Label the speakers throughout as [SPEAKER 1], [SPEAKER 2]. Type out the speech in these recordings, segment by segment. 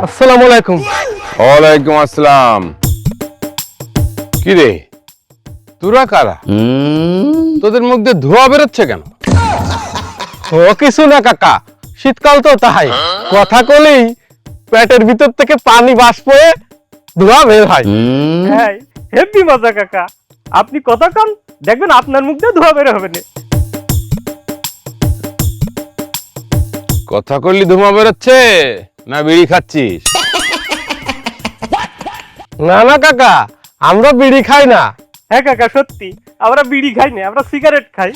[SPEAKER 1] আসসালামু আলাইকুম।
[SPEAKER 2] ওয়ালাইকুম আসসালাম। কি রে, তোরা কারা? তোদের মুখ দিয়ে ধোঁয়া বেরোচ্ছে কেন?
[SPEAKER 1] ও কিছু না কাকা, শীতকাল তো তাই কথা কলেই পেটের ভিতর থেকে পানি বাষ্প হয়ে ধোঁয়া বের হয়।
[SPEAKER 3] হ্যাঁ, হেভি মজা কাকা। আপনি কথা কন, দেখবেন আপনার মুখ দিয়ে ধোঁয়া বের হবে না।
[SPEAKER 2] কথা করলি ধোঁয়া বেরোচ্ছে না বিড়ি খাচ্ছিস?
[SPEAKER 1] না না কাকা, আমরা বিড়ি খাই না।
[SPEAKER 3] হ্যাঁ কাকা, সত্যি আমরা বিড়ি খাই না, আমরা সিগারেট খাই।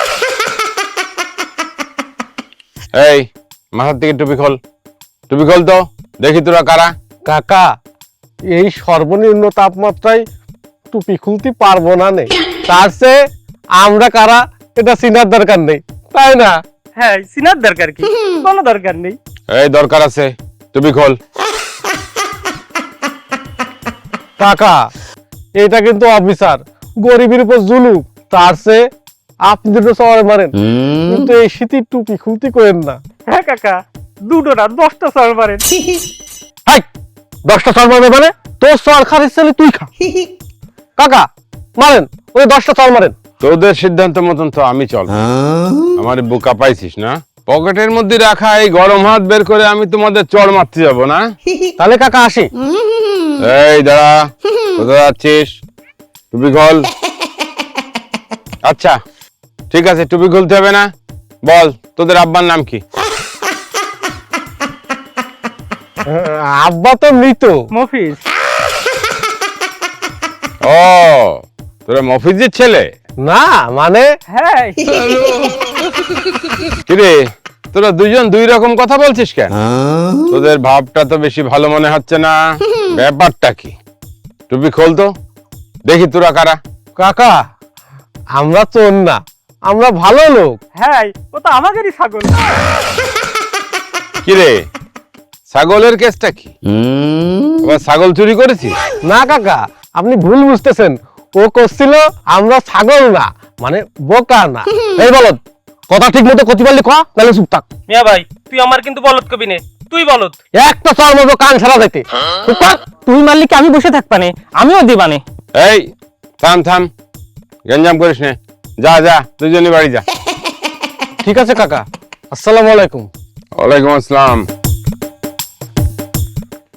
[SPEAKER 2] এই মাথার থেকে টুপি খোল, টুপি খোল তো দেখি তোরা কারা।
[SPEAKER 1] কাকা, এই সর্বনিম্ন তাপমাত্রায় টুপি খুলতে পারবো না নে, তার চেয়ে আমরা কারা এটা চিনার দরকার নেই, তাই না?
[SPEAKER 3] হ্যাঁ, চিনার দরকার কি? কোনো দরকার নেই।
[SPEAKER 2] এই দরকার আছে, টুপি খোল।
[SPEAKER 1] কাকা, এটা কিন্তু অফিসার, গরিবের উপর জুলুম, তার চেয়ে আপনি দুটো সবাই মারেন, কিন্তু এই শীতের টুপি খুলতে করেন না।
[SPEAKER 3] হ্যাঁ কাকা, দুটো না 10টা সর মারেন।
[SPEAKER 1] হাই, 10টা চল মারবে মানে? তোর চল খারিস চলে তুই খা। কাকা মারেন, ওই 10টা চল মারেন।
[SPEAKER 2] তোদের সিদ্ধান্ত মতন তো আমি চল। আমার বোকা পাইছিস না? পকেটের মধ্যে রাখা এই গরম হাত বের করে আমি তোমাদের চড় মারতে যাবো না?
[SPEAKER 1] তাহলে কাকা আসি।
[SPEAKER 2] এই দাঁড়া, কোথায় যাচ্ছিস? টুপি খোল। আচ্ছা ঠিক আছে, টুপি খুলতে হবে না। বল তোদের আব্বার নাম কি?
[SPEAKER 1] আব্বা তো মৃত।
[SPEAKER 3] মফিজ।
[SPEAKER 2] ও, তোরা মফিজের ছেলে?
[SPEAKER 1] না মানে
[SPEAKER 3] হ্যাঁ।
[SPEAKER 2] কিরে, তোরা দুজন দুই রকম কথা বলছিস কেন? তোদের ভাবটা তো বেশি ভালো মনে হচ্ছে না। ব্যাপারটা কি? টুপি খোল তো দেখি তোরা কারা।
[SPEAKER 1] কাকা, আমরা চোর না, আমরা ভালো লোক।
[SPEAKER 3] হ্যাঁ, ও তো আমাদেরই ছাগল।
[SPEAKER 2] কিরে, ছাগলের কেসটা কি? আবার ছাগল চুরি করেছিস?
[SPEAKER 1] না কাকা, আপনি ভুল বুঝতেছেন। ও করছিল আমরা ছাগল না, মানে বোকা না। এই বলদ, কথা ঠিক মতো কতি পারলি ক, নাহলে চুপ থাক।
[SPEAKER 3] মিয়া ভাই, তুই আমার কিন্তু বলদ কবি নে, তুই বলদ।
[SPEAKER 1] একটা চর মতো কান ছাড়া যাইতে। চুপ থাক।
[SPEAKER 3] তুই মারলি কি আমি বসে থাকবানে? আমিও দিবানে।
[SPEAKER 2] এই থাম থাম, গঞ্জাম করিস নে। যা যা, দুজনই বাড়ি যা।
[SPEAKER 1] ঠিক আছে কাকা, আসসালামু আলাইকুম।
[SPEAKER 2] ওয়ালাইকুম আসসালাম।